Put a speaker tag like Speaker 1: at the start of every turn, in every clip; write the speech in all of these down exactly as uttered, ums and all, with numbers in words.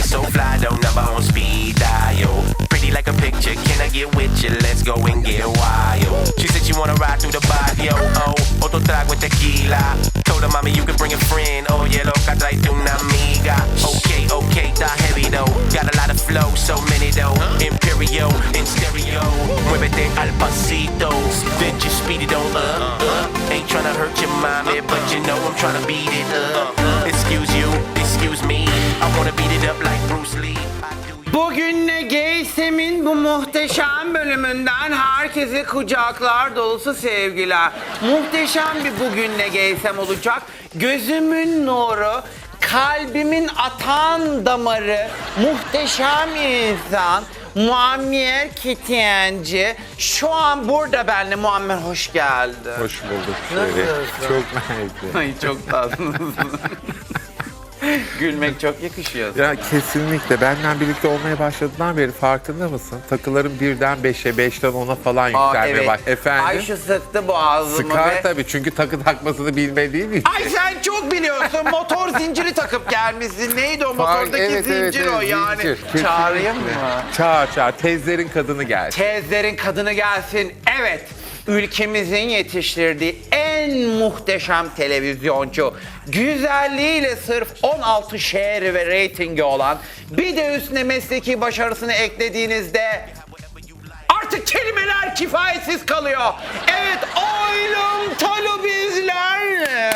Speaker 1: so fly, though, number on speed dial. Pretty like a picture, can I get with you? Let's go and get wild. She said she wanna ride through the barrio, oh, otro trago de tequila. Told her, mommy, you can bring a friend, oh, yeah, loca, trae una amiga. Okay, okay, está heavy, though. Got a lot of flow, so many, though. Imperial, in stereo. Muévete al pasito. Then just speed it on up, uh. Ain't tryna hurt your mommy, but you know I'm tryna beat it up. Excuse you, excuse me. I wanna beat it up like Bruce Lee.
Speaker 2: Bugün ne Geysem'in bu muhteşem bölümünden herkese kucaklar dolusu sevgiler. Muhteşem bir bugün ne Geysem olacak. Gözümün nuru, kalbimin atan damarı, muhteşem insan Muammer Kitiyenci şu an burada benimle. Muammer hoş geldin.
Speaker 3: Hoş bulduk.
Speaker 2: Nasılsın?
Speaker 3: Çok mersi.
Speaker 2: Ay çok tatlısın. Gülmek çok yakışıyor.
Speaker 3: Ya kesinlikle. Benden birlikte olmaya başladığından beri farkında mısın? Takılarım birden beşe, beşten ona falan yükselmeye
Speaker 2: evet.
Speaker 3: baş. Efendim?
Speaker 2: Ayşe sıktı boğazımı
Speaker 3: Sıkar
Speaker 2: ve...
Speaker 3: tabii çünkü takı takmasını bilmediğim için.
Speaker 2: Ay sen çok biliyorsun. Motor zinciri takıp gelmişsin. Neydi o
Speaker 3: Fark-
Speaker 2: motordaki
Speaker 3: evet,
Speaker 2: zincir
Speaker 3: evet, evet,
Speaker 2: o yani.
Speaker 3: zincir. Kesinlikle.
Speaker 2: Çağırayım mı?
Speaker 3: Çağır çağır. Teyzlerin kadını geldi.
Speaker 2: Tezlerin kadını gelsin. Evet. Ülkemizin yetiştirdiği en muhteşem televizyoncu, güzelliğiyle sırf on altı şehri ve reytingi olan, bir de üstüne mesleki başarısını eklediğinizde artık kelimeler kifayetsiz kalıyor. Evet, Oylum Talu bizlerle.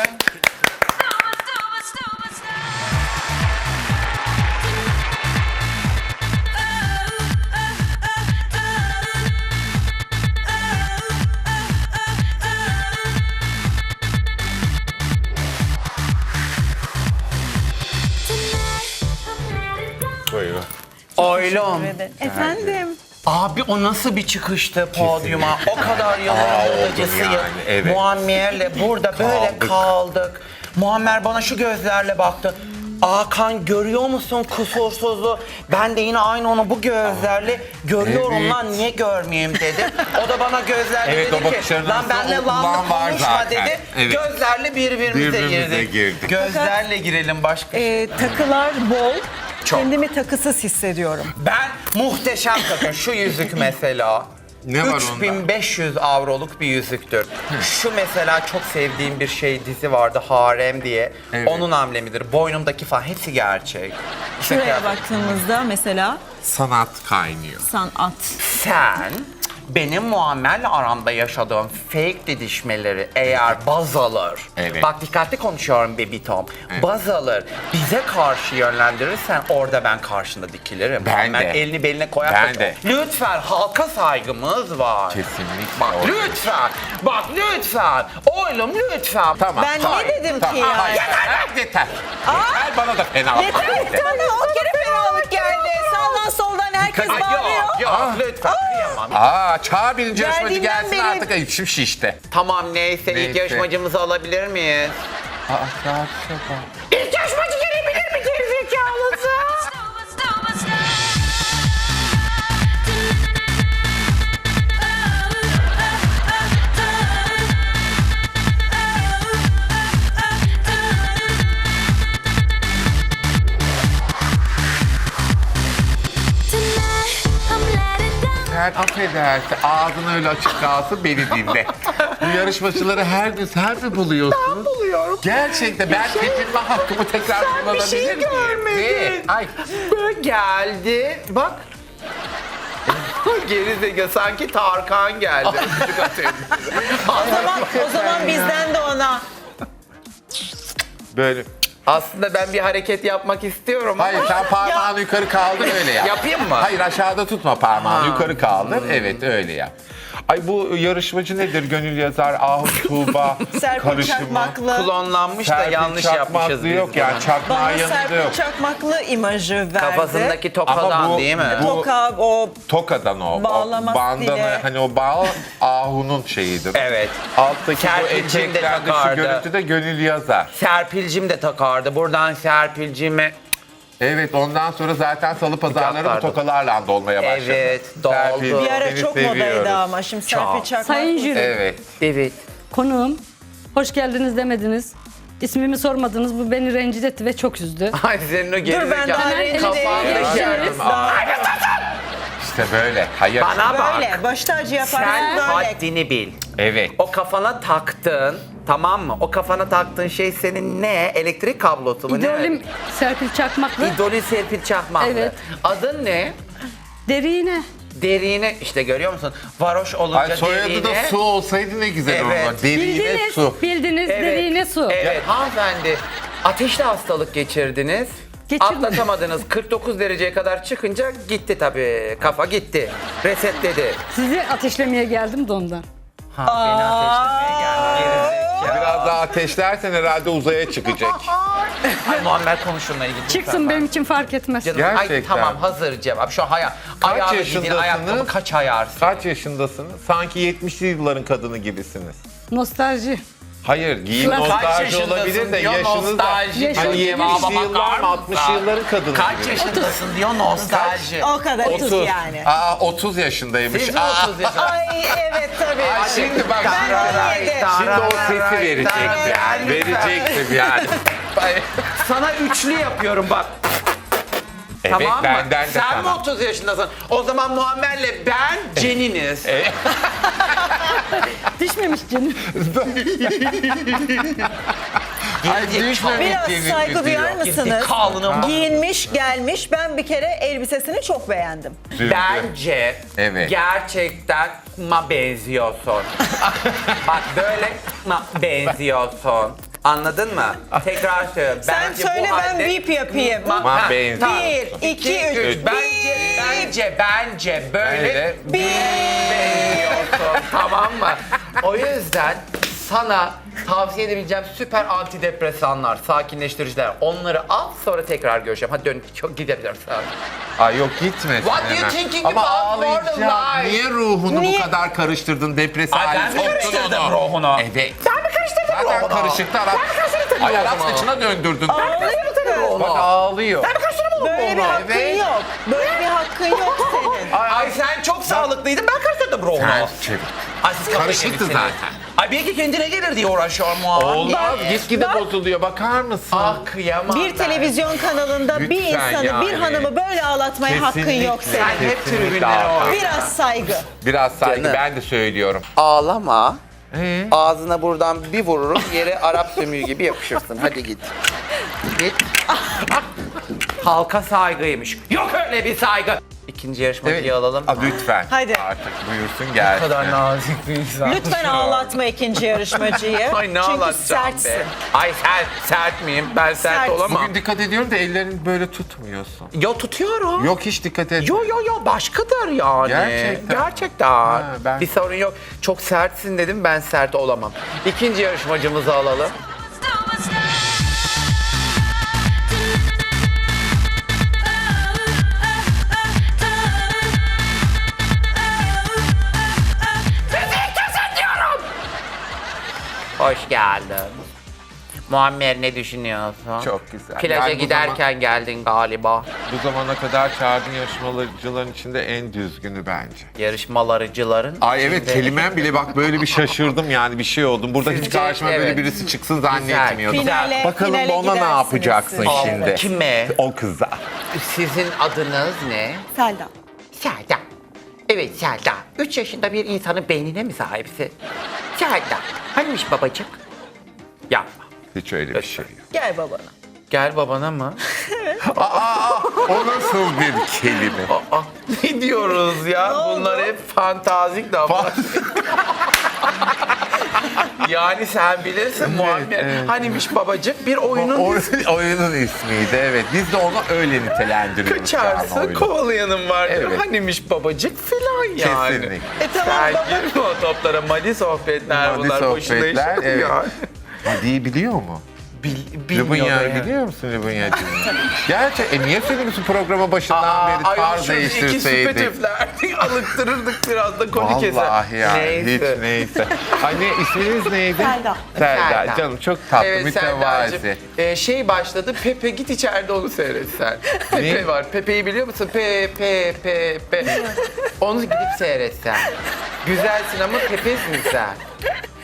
Speaker 3: Buyurun.
Speaker 2: Oylum.
Speaker 4: Efendim?
Speaker 2: Abi o nasıl bir çıkıştı podyuma? O kadar
Speaker 3: Aa,
Speaker 2: yılların
Speaker 3: oldu
Speaker 2: acısıyım.
Speaker 3: yani, evet.
Speaker 2: Muammer'le burada böyle
Speaker 3: Kaldık.
Speaker 2: kaldık. Muammer bana şu gözlerle baktı. Hakan görüyor musun kusursuzluğu? Ben de yine aynı onu bu gözlerle görüyorum
Speaker 3: Evet.
Speaker 2: lan niye görmeyeyim dedi. O da bana gözlerle
Speaker 3: Evet, o
Speaker 2: dedi ki
Speaker 3: bakışların
Speaker 2: lan
Speaker 3: arasında
Speaker 2: benle
Speaker 3: o
Speaker 2: lan
Speaker 3: ulan var
Speaker 2: konuşma
Speaker 3: zaten.
Speaker 2: dedi.
Speaker 3: Evet.
Speaker 2: Gözlerle birbirimize,
Speaker 3: Birbirimize
Speaker 2: girdik.
Speaker 3: girdik.
Speaker 2: Gözlerle girelim başka.
Speaker 4: Ee, takılar bol.
Speaker 2: Çok.
Speaker 4: Kendimi takısız hissediyorum.
Speaker 2: Ben muhteşem takım. Şu yüzük mesela.
Speaker 3: Ne var
Speaker 2: üç
Speaker 3: onda?
Speaker 2: bin beş yüz avroluk bir yüzüktür. Şu mesela çok sevdiğim bir şey dizi vardı Harem diye.
Speaker 3: Evet.
Speaker 2: Onun amblemidir. Boynumdaki falan hepsi gerçek.
Speaker 4: Şuraya baktığımızda mesela
Speaker 3: Sanat kaynıyor.
Speaker 4: sanat.
Speaker 2: Sen benim Muammer'le aramda yaşadığım fake didişmeleri eğer baz alır,
Speaker 3: Evet.
Speaker 2: bak dikkatli konuşuyorum Baby Tom,
Speaker 3: Evet.
Speaker 2: baz alır, bize karşı yönlendirirsen orada ben karşında dikilirim.
Speaker 3: Ben
Speaker 2: Muammer
Speaker 3: de.
Speaker 2: elini beline koyar.
Speaker 3: Ben
Speaker 2: koyar.
Speaker 3: de.
Speaker 2: Lütfen halka saygımız var.
Speaker 3: Kesinlikle.
Speaker 2: Bak
Speaker 3: Orada.
Speaker 2: lütfen, bak lütfen, oğlum lütfen.
Speaker 3: Tamam.
Speaker 4: Ben
Speaker 3: tamam,
Speaker 4: ne dedim
Speaker 3: tamam.
Speaker 4: ki ya?
Speaker 3: Aa, yeter lan, yeter. Yeter bana da fena.
Speaker 4: Yeter bana o kere fenalık geldi. Sağdan soldan herkes
Speaker 2: Ay,
Speaker 4: bağırıyor.
Speaker 2: yok yok lütfen kıyamam.
Speaker 3: Aa, çağır birinci yarışmacı
Speaker 4: Geldiğinden
Speaker 3: gelsin
Speaker 4: beri-
Speaker 3: artık. Ay, içim şişti.
Speaker 2: Tamam neyse, ilk
Speaker 3: Neyse.
Speaker 2: yarışmacımızı alabilir miyiz?
Speaker 3: Aa, saat şaka.
Speaker 2: İlk yarışmacı gelebilir mi gerizekalısı?
Speaker 3: Sen affedersin, ağzın öyle açık kalsın, beni dinle. Bu yarışmacıları her gün sen mi buluyorsun? Ben
Speaker 2: buluyorum.
Speaker 3: Gerçekten ben tepinme hakkımı tekrar
Speaker 2: Sen bir
Speaker 3: kullanabilir
Speaker 2: şey
Speaker 3: miyim?
Speaker 2: görmedin.
Speaker 3: Ne? Ay.
Speaker 2: Böyle geldi. Bak. Gerizekalı sanki Tarkan geldi. Çocuk atıyor.
Speaker 4: O zaman, o zaman bizden de ona.
Speaker 3: Böyle.
Speaker 2: Aslında ben bir hareket yapmak istiyorum
Speaker 3: Hayır,
Speaker 2: ama.
Speaker 3: sen parmağını yukarı kaldır, öyle yap.
Speaker 2: Yapayım mı?
Speaker 3: Hayır, aşağıda tutma parmağını,
Speaker 2: Ha.
Speaker 3: yukarı kaldır. Evet, öyle yap. Ay bu yarışmacı nedir? Gönül yazar, Ahu Tuğba,
Speaker 4: Serpil
Speaker 3: karışımı.
Speaker 4: Çakmaklı.
Speaker 2: Klonlanmış da
Speaker 3: Serpil
Speaker 2: yanlış
Speaker 3: Çakmaklı
Speaker 2: yapmışız biz.
Speaker 3: yok yani,
Speaker 2: bunu.
Speaker 3: çakmağın
Speaker 4: Bana
Speaker 3: yanında
Speaker 4: Serpil
Speaker 3: yok.
Speaker 4: Çakmaklı imajı verdi.
Speaker 2: Kafasındaki tokadan
Speaker 3: Ama bu-
Speaker 2: değil mi?
Speaker 3: bu-
Speaker 4: Toka, o
Speaker 3: Tokadan o.
Speaker 4: Bağlama
Speaker 3: o bandanı,
Speaker 4: stili.
Speaker 3: hani o bağ Ahu'nun şeyidir.
Speaker 2: Evet.
Speaker 3: Alttaki bu
Speaker 2: Serpil'cim de
Speaker 3: eteklerde şu
Speaker 2: takardı.
Speaker 3: görüntüde Gönül yazar.
Speaker 2: Serpil'cim de takardı. Buradan Serpil'cime
Speaker 3: Evet, ondan sonra zaten salı pazarları bu
Speaker 2: Takardı.
Speaker 3: tokalarla dolmaya başladı.
Speaker 2: Evet, doldu.
Speaker 3: Serpil,
Speaker 4: bir ara
Speaker 3: seni
Speaker 4: çok
Speaker 3: seviyoruz.
Speaker 4: modaydı ama şimdi Serpil
Speaker 2: Çok.
Speaker 4: Çakmaklı.
Speaker 5: Sayın jüri,
Speaker 3: Evet.
Speaker 2: evet.
Speaker 5: konuğum, hoş geldiniz demediniz. İsmimi sormadınız. Bu beni rencide etti ve çok üzdü.
Speaker 2: Ay senin o
Speaker 4: Dur ben daha
Speaker 2: gerizekalı
Speaker 4: rencide
Speaker 2: kafandaki
Speaker 4: değilim.
Speaker 3: İşte böyle. Hayır.
Speaker 2: Bana bak.
Speaker 4: Böyle başta acı yaparsın
Speaker 2: Sen
Speaker 4: böyle.
Speaker 2: haddini bil.
Speaker 3: Evet.
Speaker 2: O kafana taktın, tamam mı? O kafana taktığın şey senin ne? Elektrik kablosu mu?
Speaker 5: İdolüm Serpil Çakmaklı.
Speaker 2: Ne? İdolü Serpil Çakmaklı.
Speaker 5: Evet.
Speaker 2: Adın ne?
Speaker 5: Derine.
Speaker 2: Derine, işte görüyor musun? Varoş olunca
Speaker 3: Ay, soyadı
Speaker 2: derine.
Speaker 3: da su olsaydı ne güzel
Speaker 2: Evet.
Speaker 3: olurdu. Derine
Speaker 5: Bildiniz.
Speaker 3: su.
Speaker 5: Bildiniz. Derine su.
Speaker 2: Evet hanımefendi. Ateşli hastalık geçirdiniz.
Speaker 5: Geçirdim.
Speaker 2: Atlatamadınız. kırk dokuz dereceye kadar çıkınca gitti tabii. Kafa gitti. Resetledi.
Speaker 5: Sizi ateşlemeye geldim de ondan.
Speaker 2: Ha, beni ateşlemeye geldi. Gerizekalı.
Speaker 3: Biraz daha ateşlersen herhalde uzaya çıkacak.
Speaker 2: Ay Muammer konuş şununla ilgili.
Speaker 5: Çıksın
Speaker 2: lütfen.
Speaker 5: benim için fark etmez.
Speaker 2: Canım, ay,
Speaker 3: Gerçekten.
Speaker 2: tamam hazır cevap. Şu haya,
Speaker 3: Kaç
Speaker 2: ayağını giydiğin
Speaker 3: yaşındasınız?
Speaker 2: ayakkabı kaç ayarsın?
Speaker 3: Kaç yaşındasınız? Sanki yetmişli yılların kadını gibisiniz.
Speaker 5: Nostalji.
Speaker 3: Hayır, giyim
Speaker 5: Kaç
Speaker 3: nostalji
Speaker 2: yaşındasın
Speaker 3: olabilir de
Speaker 2: diyor,
Speaker 3: yaşınız da.
Speaker 2: nostalji.
Speaker 3: Hani
Speaker 5: Yaşım
Speaker 3: yetmişli
Speaker 2: cevaba
Speaker 3: yıllar
Speaker 2: bakar
Speaker 3: mı altmış
Speaker 2: mısın?
Speaker 3: yılların kadını
Speaker 2: Kaç
Speaker 3: gibi.
Speaker 2: yaşındasın diyor nostalji.
Speaker 4: O kadar otuz yani.
Speaker 3: Aa otuz yaşındaymış.
Speaker 2: Siz de
Speaker 3: Aa,
Speaker 2: otuz yaşında.
Speaker 4: Ay evet tabii.
Speaker 3: Ay, şimdi bak
Speaker 4: Ben
Speaker 3: şimdi,
Speaker 4: yedi.
Speaker 3: şimdi o sesi vereceksin.
Speaker 2: Yani
Speaker 3: Vereceksin yani.
Speaker 2: sana üçlü yapıyorum bak.
Speaker 3: Evet,
Speaker 2: Tamam mı?
Speaker 3: benden de
Speaker 2: Sen
Speaker 3: sana.
Speaker 2: mi otuz yaşındasın? O zaman Muammer'le ben Ceniniz.
Speaker 5: Düşmemiş canım.
Speaker 3: Ay düşmemek
Speaker 4: Biraz
Speaker 3: diye
Speaker 4: saygı
Speaker 3: diyor.
Speaker 4: duyar mısınız?
Speaker 2: Gerizekalı.
Speaker 4: Giyinmiş gelmiş. Ben bir kere elbisesini çok beğendim.
Speaker 2: Bence
Speaker 3: Evet.
Speaker 2: gerçekten ma benziyorsun. Bak böyle ma benziyorsun. Anladın mı? Tekrar söylüyorum.
Speaker 4: Sen
Speaker 2: Bence
Speaker 4: söyle
Speaker 2: bu
Speaker 4: ben
Speaker 2: halde-
Speaker 4: bip yapayım.
Speaker 2: Ma-
Speaker 3: Ma
Speaker 2: Ha,
Speaker 3: benziyor.
Speaker 2: tamam.
Speaker 4: Bir, iki, üç.
Speaker 2: Bence, bence, bence böyle
Speaker 3: Böyle
Speaker 2: benziyorsun. Tamam mı? O yüzden sana tavsiye edebileceğim süper antidepresanlar, sakinleştiriciler. Onları al sonra tekrar görüşelim. Hadi dön, çok gidebilirim sana.
Speaker 3: Ay yok gitme.
Speaker 2: What do you
Speaker 3: hemen.
Speaker 2: thinking
Speaker 3: Ama
Speaker 2: about more than
Speaker 3: ağlayacağım.
Speaker 2: life?
Speaker 3: Niye ruhunu
Speaker 4: Niye?
Speaker 3: bu kadar karıştırdın? Depresif
Speaker 2: Ay,
Speaker 3: hale
Speaker 2: ben mi
Speaker 3: soktun
Speaker 2: karıştırdım
Speaker 3: onu?
Speaker 2: ruhunu?
Speaker 3: Evet.
Speaker 2: Ben mi karıştırdım
Speaker 3: Zaten
Speaker 2: ruhunu?
Speaker 3: karışıktı Arap. Ay Arap saçına döndürdün.
Speaker 2: ruhunu?
Speaker 3: Bak ağlıyor.
Speaker 4: Böyle bir hakkın
Speaker 3: Evet.
Speaker 4: yok. Böyle bir hakkın yok senin.
Speaker 2: Ay, ay sen çok sağlıklıydın, ben karıştırdım ruhunu.
Speaker 3: Sen çevir.
Speaker 2: Ay siz kafayı
Speaker 3: Karışıktı
Speaker 2: yemişsiniz.
Speaker 3: zaten.
Speaker 2: Ay belki kendine gelir diye uğraşıyor muhabbet.
Speaker 3: Olmaz. Gitgide bozuluyor. Bakar mısın?
Speaker 2: Ah kıyamam
Speaker 4: Bir
Speaker 2: ben.
Speaker 4: televizyon kanalında bir
Speaker 3: Lütfen
Speaker 4: insanı, bir
Speaker 3: yani.
Speaker 4: hanımı böyle ağlatmaya hakkın yok
Speaker 3: Kesinlikle.
Speaker 4: senin.
Speaker 2: Sen hep
Speaker 3: Kesinlikle
Speaker 2: tribünlere
Speaker 3: Hakan.
Speaker 2: ol.
Speaker 4: Biraz saygı.
Speaker 3: Biraz saygı
Speaker 2: Canım.
Speaker 3: ben de söylüyorum.
Speaker 2: Ağlama.
Speaker 3: Ee?
Speaker 2: Ağzına buradan bir vururum, yere Arap sömüğü gibi yapışırsın. Hadi git. Git. Halka saygıymış. Yok öyle bir saygı. İkinci yarışmacıyı
Speaker 3: Evet.
Speaker 2: alalım.
Speaker 3: Aa, lütfen.
Speaker 4: Hadi.
Speaker 3: Artık buyursun
Speaker 2: Ne
Speaker 3: gelsin.
Speaker 2: kadar nazik bir insan.
Speaker 4: Lütfen ağlatma ikinci yarışmacıyı.
Speaker 2: Ay ne
Speaker 4: Çünkü
Speaker 2: ağlatacağım
Speaker 4: sertsin.
Speaker 2: be. Ay sert, sert miyim? Ben sert,
Speaker 4: Sert.
Speaker 2: olamam.
Speaker 3: Bugün dikkat ediyorum da ellerini böyle tutmuyorsun.
Speaker 2: Yo tutuyorum.
Speaker 3: Yok hiç dikkat et.
Speaker 2: Yo yo yo başkadır yani.
Speaker 3: Gerçekten.
Speaker 2: Gerçekten.
Speaker 3: Ha, ben-
Speaker 2: Bir sorun yok. Çok sertsin dedim, ben sert olamam. İkinci yarışmacımızı alalım. Hoş geldin. Muammer ne düşünüyorsun?
Speaker 3: Çok güzel.
Speaker 2: Plaja
Speaker 3: Yani bu
Speaker 2: giderken geldin galiba.
Speaker 3: Bu zamana kadar çağırdığın yarışmacıların içinde en düzgünü bence.
Speaker 2: Yarışmalarıcıların
Speaker 3: Ay evet
Speaker 2: içinde-
Speaker 3: kelimem bile bak böyle bir şaşırdım yani bir şey oldum. Burada hiç
Speaker 2: Sizce,
Speaker 3: karşıma böyle
Speaker 2: evet.
Speaker 3: birisi çıksın zannetmiyordum.
Speaker 4: Finale,
Speaker 3: Bakalım
Speaker 4: finale
Speaker 3: ona ne
Speaker 4: gidersiniz
Speaker 3: yapacaksın
Speaker 4: siz.
Speaker 3: şimdi?
Speaker 2: Kime?
Speaker 3: O kıza.
Speaker 2: Sizin adınız ne?
Speaker 4: Selda.
Speaker 2: Selda. Evet Selda. Üç yaşında bir insanın beynine mi sahipsin? Selda. Hanimiş babacık? Yapma.
Speaker 3: Hiç öyle bir şey yok.
Speaker 4: Gel babana.
Speaker 2: Gel babana mı?
Speaker 3: O nasıl bir kelime?
Speaker 2: Aa, ne diyoruz ya? Bunlar hep fantazik laflar. Yani sen bilirsin Muammer.
Speaker 3: evet.
Speaker 2: Hanimiş babacık bir oyunun
Speaker 3: O,
Speaker 2: ismi.
Speaker 3: oyunun ismiydi evet. Biz de onu öyle nitelendiriyoruz. yani
Speaker 2: Kaçarsın
Speaker 3: oyunu.
Speaker 2: kovalayanın vardır.
Speaker 3: Evet.
Speaker 2: Hanimiş babacık filan yani.
Speaker 3: Kesinlikle.
Speaker 4: E tamam
Speaker 2: Sen
Speaker 4: baba.
Speaker 2: girme o toplara. Mali sohbetler
Speaker 3: Hadi
Speaker 2: bunlar. Boşuna
Speaker 3: sohbetler.
Speaker 2: iş
Speaker 3: Evet.
Speaker 2: ya.
Speaker 3: Hadi'yi biliyor mu?
Speaker 2: Bil,
Speaker 3: Lubunya
Speaker 2: bilmiyorum ya.
Speaker 3: biliyor musun Lubunya'cığım? Gerçek. E niye söylemiyorsun programa başından
Speaker 2: Aa,
Speaker 3: beri
Speaker 2: ay,
Speaker 3: tarz
Speaker 2: şu iki
Speaker 3: değiştirseydik?
Speaker 2: süpetiflerdik, alıktırırdık biraz da konu keser.
Speaker 3: Vallahi ya
Speaker 2: Neyse.
Speaker 3: hiç neyse. Ay ne isminiz neydi?
Speaker 4: Selda.
Speaker 3: Selda.
Speaker 2: Selda.
Speaker 3: Canım çok tatlı,
Speaker 2: Evet
Speaker 3: mütevazi.
Speaker 2: Selda'cığım. Ee, şey başladı, Pepe git içeride onu seyret sen. Pepe var, Pepe'yi biliyor musun? Pe, pe, pe, pe. Onu gidip seyret sen. Güzelsin ama Pepe'sin sen.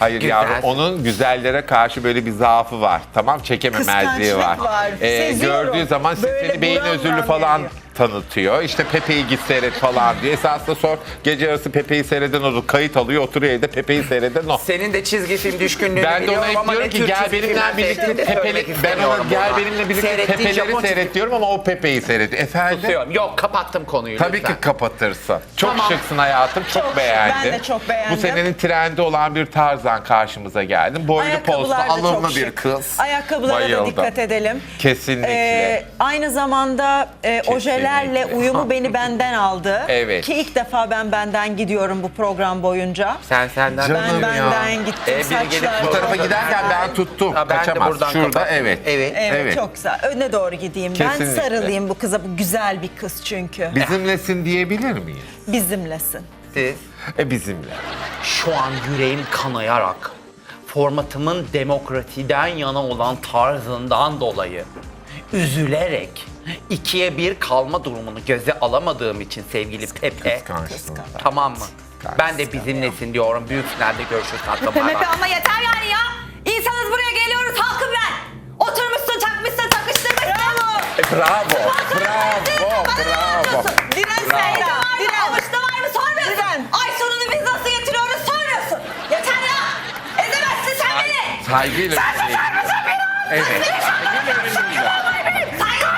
Speaker 3: Hayır
Speaker 2: Güzel.
Speaker 3: yavrum, onun güzellere karşı böyle bir zaafı var. Tamam, çekememezliği var.
Speaker 4: Kıskançlık var.
Speaker 3: Ee,
Speaker 4: Seziyorum.
Speaker 3: gördüğü zaman
Speaker 4: Böyle
Speaker 3: seni beyin
Speaker 4: buram
Speaker 3: özürlü
Speaker 4: buram
Speaker 3: falan
Speaker 4: geliyor.
Speaker 3: tanıtıyor. İşte Pepe'yi git seyret falan diyor. Esasında sor, gece yarısı Pepe'yi seyreden o, kayıt alıyor, oturuyor evde Pepe'yi seyreden o.
Speaker 2: Senin de çizgi film düşkünlüğünü
Speaker 3: Ben de
Speaker 2: biliyorum
Speaker 3: ona hep
Speaker 2: ama
Speaker 3: diyorum
Speaker 2: ne
Speaker 3: ki
Speaker 2: tür
Speaker 3: gel
Speaker 2: çizgi
Speaker 3: benimle
Speaker 2: filmler
Speaker 3: birlikte
Speaker 2: seyrettiğini de söylemek
Speaker 3: Pepe'li, ben ona
Speaker 2: istemiyorum
Speaker 3: gel
Speaker 2: burada.
Speaker 3: benimle birlikte
Speaker 2: Seyrettiğin
Speaker 3: Pepe'leri
Speaker 2: Japon çizgi-
Speaker 3: seyret diyorum ama o Pepe'yi seyrediyor. Efendim?
Speaker 2: Tutuyorum. Yok, kapattım konuyu
Speaker 3: Tabii
Speaker 2: lütfen.
Speaker 3: ki kapatırsın. Çok
Speaker 2: Tamam.
Speaker 3: şıksın hayatım, çok,
Speaker 4: Çok,
Speaker 3: beğendim.
Speaker 4: ben de çok beğendim.
Speaker 3: Bu senenin trendi olan bir tarzan karşımıza geldi. Boylu postlu,
Speaker 4: Ayakkabılar da
Speaker 3: alımlı
Speaker 4: çok
Speaker 3: bir
Speaker 4: şık.
Speaker 3: kız.
Speaker 4: Ayakkabılara
Speaker 3: Bayıldım.
Speaker 4: da dikkat edelim.
Speaker 3: Kesinlikle.
Speaker 4: Ee, aynı zamanda e,
Speaker 3: Kesinlikle.
Speaker 4: ojelerle uyumu beni benden aldı.
Speaker 3: Evet.
Speaker 4: Ki ilk defa ben benden gidiyorum bu program boyunca.
Speaker 2: Sen senden
Speaker 3: Canım
Speaker 4: Ben
Speaker 3: ya.
Speaker 4: benden gittim.
Speaker 2: Ee, biri gelip
Speaker 4: Saçlar.
Speaker 3: Bu tarafa giderken ben tuttum.
Speaker 2: Ha, ben de
Speaker 3: Kaçamaz.
Speaker 2: buradan
Speaker 3: Şurada
Speaker 2: kapattım.
Speaker 3: evet.
Speaker 2: Evet.
Speaker 4: Evet,
Speaker 3: Evet.
Speaker 4: çok güzel. Öne doğru gideyim. Ben
Speaker 3: Kesinlikle.
Speaker 4: sarılayım bu kıza. Bu güzel bir kız çünkü.
Speaker 3: Bizimlesin diyebilir miyiz?
Speaker 4: Bizimlesin.
Speaker 2: Siz
Speaker 3: E bizimle.
Speaker 2: şu an yüreğim kanayarak formatımın demokrasiden yana olan tarzından dolayı üzülerek ikiye bir kalma durumunu göze alamadığım için sevgili Pepe.
Speaker 3: Kıskançsın.
Speaker 2: Tamam mı? Ben de bizimlesin diyorum. Büyük finalde görüşürüz. Hatta bay bay.
Speaker 6: Pepe ama yeter yani ya. İnsanız buraya geliyoruz halkım ben. Oturmuşsun takmışsın takıştırmışsın.
Speaker 3: E, bravo. Bravo. Bravo.
Speaker 6: Diren
Speaker 3: Bravo.
Speaker 6: sayıda var mı? Avuçta var mı sormuyorsun.
Speaker 4: Diren.
Speaker 6: Ay sonunu biz nasıl getiriyoruz sormuyorsun. Yeter ya. Ezemezsin sen beni.
Speaker 3: Saygıyla
Speaker 6: Sen
Speaker 3: bir şey.
Speaker 6: susar mısın beni?
Speaker 3: Evet. Saygıyla övünüyor.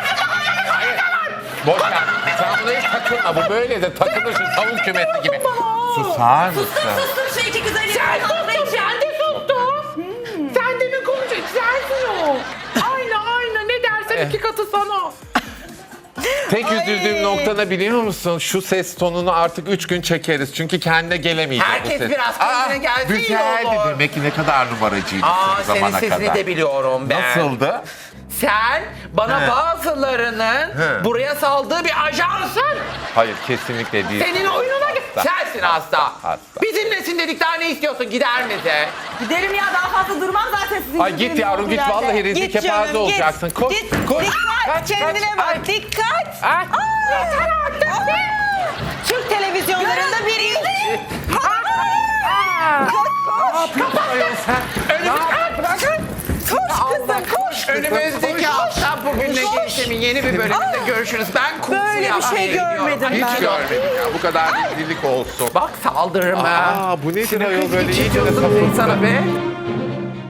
Speaker 3: Boş ver. Sen buna hiç takılma. Bu böyle de takılır şu tavuk kümesi gibi. Susar mısın?
Speaker 6: Sustum sustum şu iki güzelliği.
Speaker 7: Sen sustun, sen de sustun. Sen de mi konuşacaksın? Sensin o. Aynı aynı. Ne dersen iki katı sana.
Speaker 3: Tek üzüldüğüm nokta ne biliyor musun? Şu ses tonunu artık üç gün çekeriz. Çünkü kendine gelemeyecek
Speaker 2: Herkes
Speaker 3: bu ses.
Speaker 2: biraz kendine gelse iyi
Speaker 3: güzeldi
Speaker 2: olur.
Speaker 3: demek ki ne kadar numaracıydı
Speaker 2: Aa,
Speaker 3: son
Speaker 2: senin
Speaker 3: zamana
Speaker 2: sesini
Speaker 3: kadar.
Speaker 2: de biliyorum ben.
Speaker 3: Nasıldı?
Speaker 2: Sen bana
Speaker 3: He.
Speaker 2: bazılarının
Speaker 3: He.
Speaker 2: buraya saldığı bir ajansın.
Speaker 3: Hayır kesinlikle değil.
Speaker 2: Senin oyununa gel.
Speaker 3: Hasta.
Speaker 2: Sensin hasta.
Speaker 3: Hasta.
Speaker 2: Bizimlesin dedik, daha ne istiyorsun? Gider misin?
Speaker 6: Giderim ya daha fazla durmam zaten sizin
Speaker 3: Ay git yavrum git vallahi rezil
Speaker 4: Git
Speaker 3: kepaze
Speaker 4: canım,
Speaker 3: olacaksın.
Speaker 4: git.
Speaker 3: Koş
Speaker 4: Git.
Speaker 3: koş.
Speaker 4: Dikkat.
Speaker 3: Kaç,
Speaker 4: Kendine
Speaker 3: kaç.
Speaker 4: bak.
Speaker 3: Ay.
Speaker 4: Dikkat.
Speaker 3: Ay.
Speaker 4: Yeter artık be. Türk televizyonlarında bir ilk.
Speaker 3: Koş
Speaker 4: kızım, koş.
Speaker 2: Önümüzdeki hafta bugünle gelişimin yeni bir bölümünde görüşürüz. Ben kursu
Speaker 4: Böyle bir
Speaker 2: yapmaya
Speaker 4: şey
Speaker 2: gidiyorum.
Speaker 4: görmedim
Speaker 2: Ay,
Speaker 4: ben.
Speaker 3: Hiç görmedim ya. Bu kadar rezillik olsun.
Speaker 2: Bak saldırırım ha.
Speaker 3: Aa bu nedir ayol böyle
Speaker 2: Hiç
Speaker 3: iyice de
Speaker 2: yazık
Speaker 3: sapık.
Speaker 2: değil sana be.